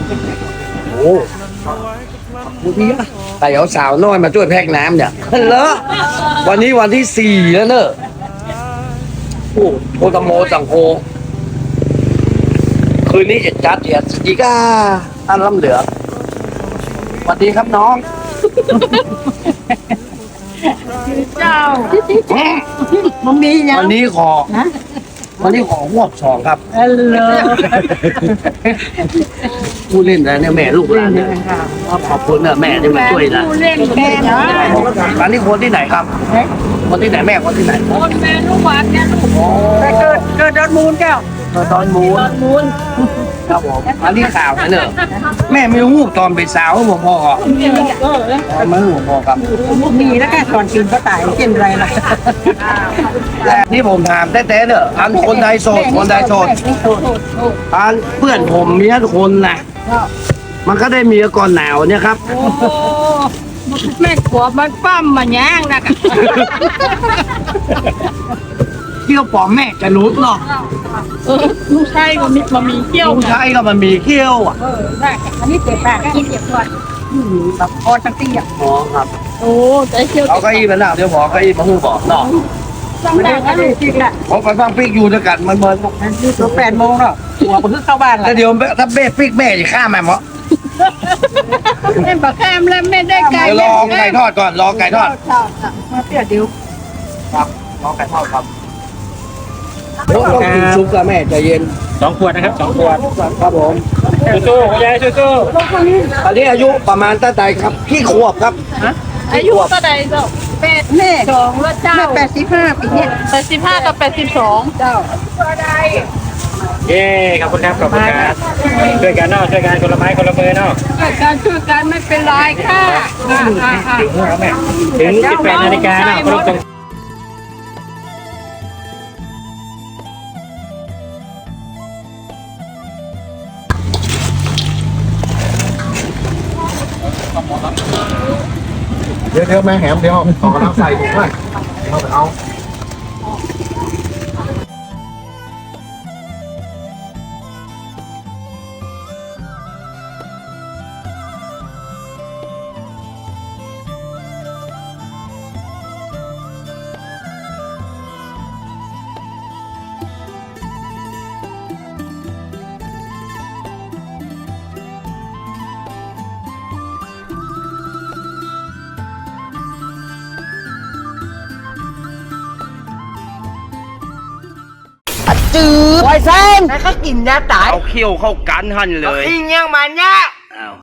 โอ้ดูดีอะแต่เอาสาวน้อยมาช่วยแพ็กน้ำเนี่ยเลอะวันนี้วันที่4แล้วเนอะโอ้โคตรโมสังโฆคืนนี้จะจัดเดียดอีกอันลำเหลือสวัสดีครับน้องเจ้ามันมีอย่างวันนี้ขอหวบสองครับเลยผู้เล่นนะเนี่ยแม่ลูกหลานเนี่ยขอบคุณนะแม่ที่มาช่วยนะผู้เล่นแม่นะร้านนี้คนที่ไหนครับ คนที่ไหนแม่คนที่ไหนคนแม่ลูกหวานเนี่ยลูกแต่เกิดดอนมูลแก้วตอนมูนมูลครับผมอันนี้ข่าวนะเนอะแม่ไม่รู้ตอนเป็นสาวผมพ่อไม่รู้พ่อครับมีแล้วก็ก่อนกินก็ตายกินอะไรล่ะแต่นี่ผมถามแต้ๆเนอะอันคนใดโสดคนใดโสดอันเพื่อนผมมีทุกคนนะมันก็ได้เมียก่อนหนาวเนี่ยครับโอ้แม่ขวบมันปั้มมาแย่งนะกะเที่ยวปอมแม่จะรู้เนาะลูกชายก็มีเกี้ยวผู้ชายก็มันมีเขี้ยวอ่ะได้อันนี้เจ็บปากกินเจ็บก่อนแบบคอตั้งตีอ่ะอ๋อครับโอ้ใจเกี้ยวเอาเก้าอี้มาหน้าเดี๋ยวบอกเก้าอี้มาหูบอกเนาะต้องได้ก็เลยจริงแหละผมไปฟังปิ๊กอยู่ด้วยกันมันนี่ตัว8 โมงเนาะหัวมันคือเข้าบ้านละแล้วเดี๋ยวถ้าเบ้ปิ๊กแม่จะฆ่าแม่หมอแม่บอกแคมแล้วไม่ได้ไก่เดี๋ยวรอไก่ทอดก่อนรอไก่ทอดมาเปรี้ยวเดี๋ยวครับรอไก่ทอดครับโอ้ต้องกินซุปกับแม่ใจเย็น 2 ขวดนะครับ2 ขวดครับผมสู้ๆคุณยายสู้อันนี้อายุประมาณตั้งแต่ครับกี่ขวบครับอายุเท่าไหร่เจ้า82แล้วเจ้าแม่85ปีเนี่ย85กับ82เจ้าๆเย้ขอบคุณครับขอบคุณครับช่วยกันเนาะช่วยกันคนละไม้คนละมือเนาะช่วยกันไม่เป็นไรค่ะถึง 18 นาฬิกาเนาะครบตรงเดี๋ยวแม่แหมเดี๋ยวขอกำลังใส่ถุงเลยเอาเอาเขี้ยวเข้ากันหันเลยอิงยังมันเนี่ยอ้าว